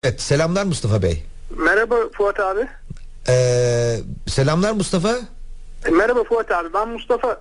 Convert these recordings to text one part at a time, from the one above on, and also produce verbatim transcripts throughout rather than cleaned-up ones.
Evet, selamlar Mustafa Bey. Merhaba Fuat abi. Ee, selamlar Mustafa. E, merhaba Fuat abi, ben Mustafa.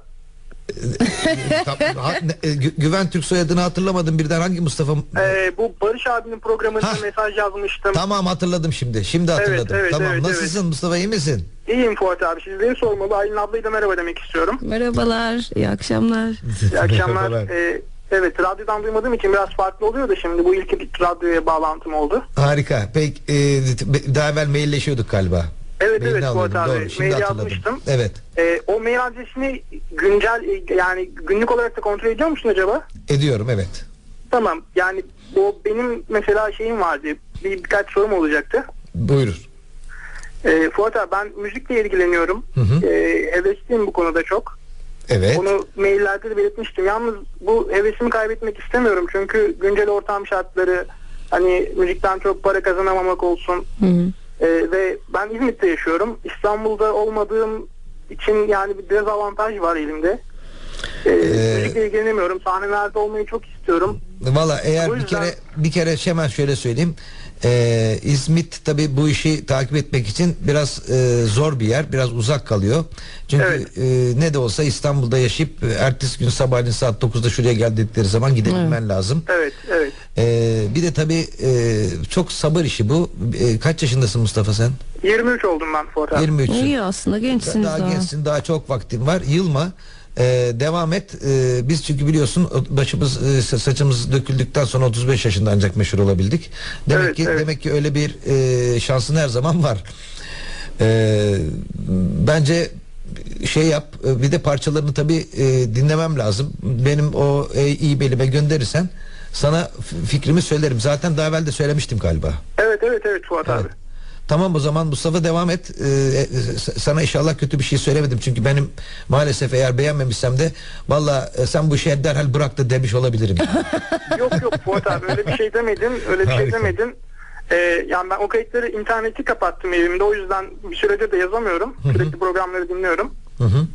Tam- ha- ne- e, Gü- Güven Türk soyadını hatırlamadım birden, hangi Mustafa? Ee, bu Barış abinin programında Hah. mesaj yazmıştım. Tamam, hatırladım şimdi. Şimdi hatırladım. evet, Tamam. evet, Nasılsın evet. Mustafa, iyi misin? İyiyim Fuat abi, sizleri sormalı. Aylin ablayı da merhaba demek istiyorum. Merhabalar, iyi akşamlar. İyi akşamlar. Merhabalar. Ee, evet, radyodan duymadığım için biraz farklı oluyor da şimdi bu ilk bir radyoya bağlantım oldu. Harika. Peki, e, daha evvel mailleşiyorduk galiba. Evet Mailini evet Fuat alıyordum, abi, doğru. Şimdi mail hatırladım. yazmıştım. Evet. Ee, o mail adresini güncel e, yani günlük olarak da kontrol ediyor musun acaba? Ediyorum, evet. Tamam, yani o benim mesela şeyim vardı, bir, birkaç sorum olacaktı. Buyurur. Ee, Fuat abi, ben müzikle ilgileniyorum. Hı hı. Ee, hevesliyim bu konuda çok. Evet. Onu maillerde de belirtmiştim. Yalnız bu hevesimi kaybetmek istemiyorum. Çünkü güncel ortam şartları, hani müzikten çok para kazanamamak olsun. Hı hı. Ee, ve ben İzmit'te yaşıyorum. İstanbul'da olmadığım için yani bir dezavantaj var elimde. Ee, Ee, müzikle ilgilenemiyorum. Sahnelerde olmayı çok istiyorum. Valla eğer O bir yüzden- kere bir kere hemen şöyle söyleyeyim. Ee, İzmit tabii bu işi takip etmek için biraz e, zor bir yer, biraz uzak kalıyor. Çünkü Evet. e, ne de olsa İstanbul'da yaşayıp e, ertesi gün sabahleyin saat dokuzda şuraya geldikleri zaman gidebilmen lazım. Evet, evet. Ee, bir de tabii e, çok sabır işi bu. E, kaç yaşındasın Mustafa sen? yirmi üç oldum ben Fuat abi. yirmi üçsün. İyi aslında, gençsiniz Daha daha. gençsin, daha çok vaktin var. Yılma. Ee, devam et. Ee, biz çünkü biliyorsun başımız e, saçımız döküldükten sonra otuz beş yaşında ancak meşhur olabildik. Demek Evet, ki evet. demek ki öyle bir e, şansın her zaman var. Ee, bence şey yap. e, Bir de parçalarını tabii e, dinlemem lazım. Benim o e, iyi belime gönderirsen sana f- fikrimi söylerim. Zaten daha evvel de söylemiştim galiba. Evet, evet, evet Fuat Evet. abi. Tamam, o zaman Mustafa devam et. Ee, e, sana inşallah kötü bir şey söylemedim. Çünkü benim maalesef eğer beğenmemişsem de valla e, sen bu işi derhal bırak da demiş olabilirim. Yok yok Fuat abi, öyle bir şey demedin. Öyle bir şey Harika. demedin. Ee, yani ben o kayıtları, interneti kapattım evimde. O yüzden bir süredir de yazamıyorum. Sürekli programları dinliyorum. Hı hı.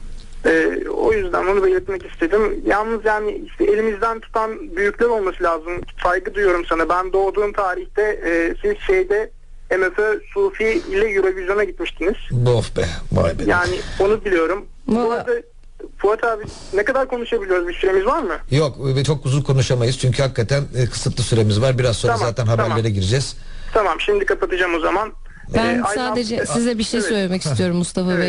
Ee, o yüzden onu belirtmek istedim. Yalnız yani işte elimizden tutan büyükler olması lazım. Saygı duyuyorum sana. Ben doğduğum tarihte e, siz şeyde M F Ö Sufi ile Eurovision'a gitmiştiniz. Of be, vay be. Yani onu biliyorum. Bu Vallahi- arada Fuat abi, ne kadar konuşabiliyoruz? Bir süremiz var mı? Yok, ve çok uzun konuşamayız çünkü hakikaten e, kısıtlı süremiz var. Biraz sonra Tamam, zaten haberlere tamam. gireceğiz. Tamam, şimdi kapatacağım o zaman. Ben Ee, Aylin sadece abla- size bir şey Evet. söylemek istiyorum Mustafa Evet. Bey.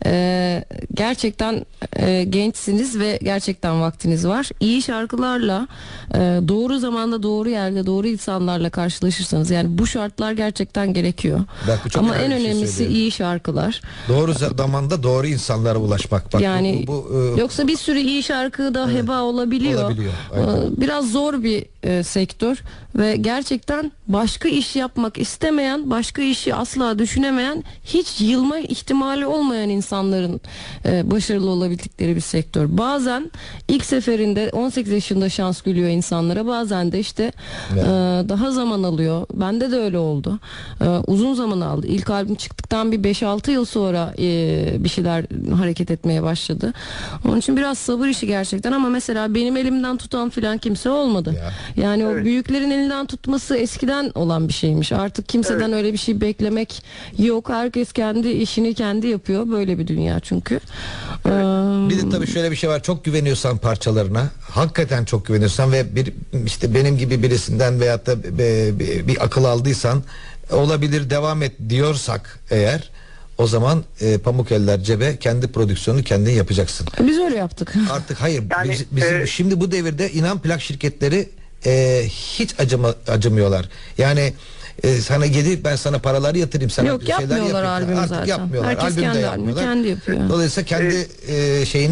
Ee, gerçekten e, gençsiniz ve gerçekten vaktiniz var. İyi şarkılarla e, doğru zamanda, doğru yerde, doğru insanlarla karşılaşırsanız, yani bu şartlar gerçekten gerekiyor. Bak, bu çok Ama önemli en bir şey önemlisi söylüyor. iyi şarkılar. Doğru zamanda doğru insanlara ulaşmak. Bak, Yani bu, bu, e, yoksa bir sürü iyi şarkı da heba olabiliyor. Olabiliyor, aynen. Ee, Biraz zor bir e, sektör ve gerçekten başka iş yapmak istemeyen, başka işi asla düşünemeyen, hiç yılma ihtimali olmayan insanların e, başarılı olabildikleri bir sektör. Bazen ilk seferinde on sekiz yaşında şans gülüyor insanlara, bazen de işte Evet. e, daha zaman alıyor. Bende de öyle oldu. E, uzun zaman aldı. İlk albüm çıktıktan bir beş altı yıl sonra e, bir şeyler hareket etmeye başladı. Onun için biraz sabır işi gerçekten, ama mesela benim elimden tutan filan kimse olmadı. Ya. Yani o Evet. büyüklerin elinden tutması eskiden olan bir şeymiş. Artık kimseden Evet. öyle bir şey beklemek yok. Herkes kendi işini kendi yapıyor. Böyle bir dünya çünkü. Ee, Bir de tabii şöyle bir şey var. Çok güveniyorsan parçalarına, hakikaten çok güveniyorsan ve bir işte benim gibi birisinden veyahut da bir, bir, bir akıl aldıysan, olabilir devam et diyorsak eğer, o zaman e, pamuk eller cebe, kendi prodüksiyonunu kendin yapacaksın. Biz öyle yaptık. Artık hayır, Yani, biz- bizim e, şimdi bu devirde inan plak şirketleri e, hiç acıma, acımıyorlar. Yani e, sana gelip ben sana paraları yatırayım, sana Yok, bir şeyler yapmıyorlar yapayım. albümü Artık zaten. yapmıyorlar. Herkes Albüm de kendi albümü yapmıyorlar. kendi yapıyor. Dolayısıyla kendi e, şeyini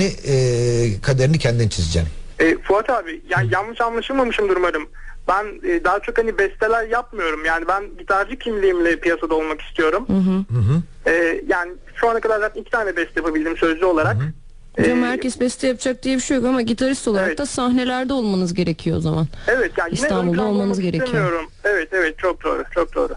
e, kaderini kendin çizeceksin. E, Fuat abi, yani yanlış anlaşılmamışımdır umarım. Ben e, daha çok hani besteler yapmıyorum. Yani ben gitarcı kimliğimle piyasada olmak istiyorum. Hı hı. Hı hı. E, yani şu ana kadar zaten iki tane beste yapabildim sözlü olarak. E, Canım, herkes beste yapacak diye bir şey yok, ama gitarist olarak Evet. da sahnelerde olmanız gerekiyor o zaman. evet, yani yine İstanbul'da ön planda olmanız olmak gerekiyor. istemiyorum. Evet evet, çok doğru, çok doğru.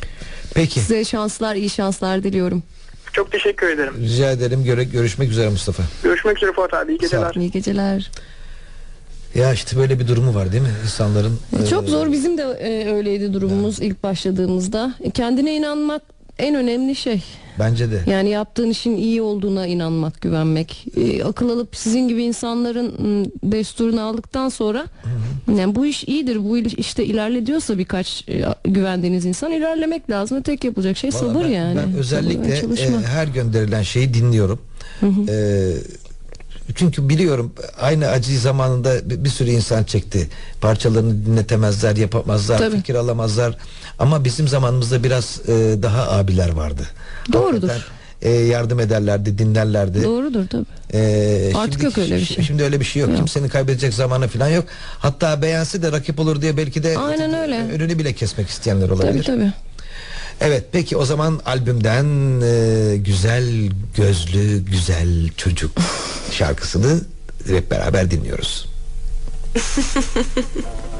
Peki. Size şanslar, iyi şanslar diliyorum. Çok teşekkür ederim. Rica ederim. Göre, görüşmek üzere Mustafa. Görüşmek üzere Fuat abi, iyi Sağ ol. geceler. İyi geceler. Ya işte böyle bir durumu var değil mi insanların? Çok e, zor, bizim de e, öyleydi durumumuz ilk başladığımızda. E, Kendine inanmak en önemli şey. Bence de. Yani yaptığın işin iyi olduğuna inanmak, güvenmek. E, akıl alıp sizin gibi insanların m, desturunu aldıktan sonra yani bu iş iyidir, bu iş işte ilerle diyorsa birkaç e, güvendiğiniz insan, ilerlemek lazım. Ve tek yapılacak şey Vallahi sabır ben, yani. Ben Sabır ve özellikle çalışma. e, her gönderilen şeyi dinliyorum. E, çünkü biliyorum aynı acıyı zamanında bir, bir sürü insan çekti. Parçalarını dinletemezler, yapamazlar, Tabii. fikir alamazlar. Ama bizim zamanımızda biraz e, daha abiler vardı. Doğrudur. Hakikaten, e, yardım ederlerdi, dinlerlerdi. Doğrudur tabii. Ee, Artık şimdi- yok öyle bir şi- şey. Şimdi öyle bir şey yok. Yok. Kimsenin kaybedecek zamanı falan yok. Hatta beğense de rakip olur diye belki de Aynen öyle. önünü bile kesmek isteyenler olabilir. Tabii tabii. Evet, peki o zaman albümden e, Güzel Gözlü Güzel Çocuk şarkısını hep beraber dinliyoruz.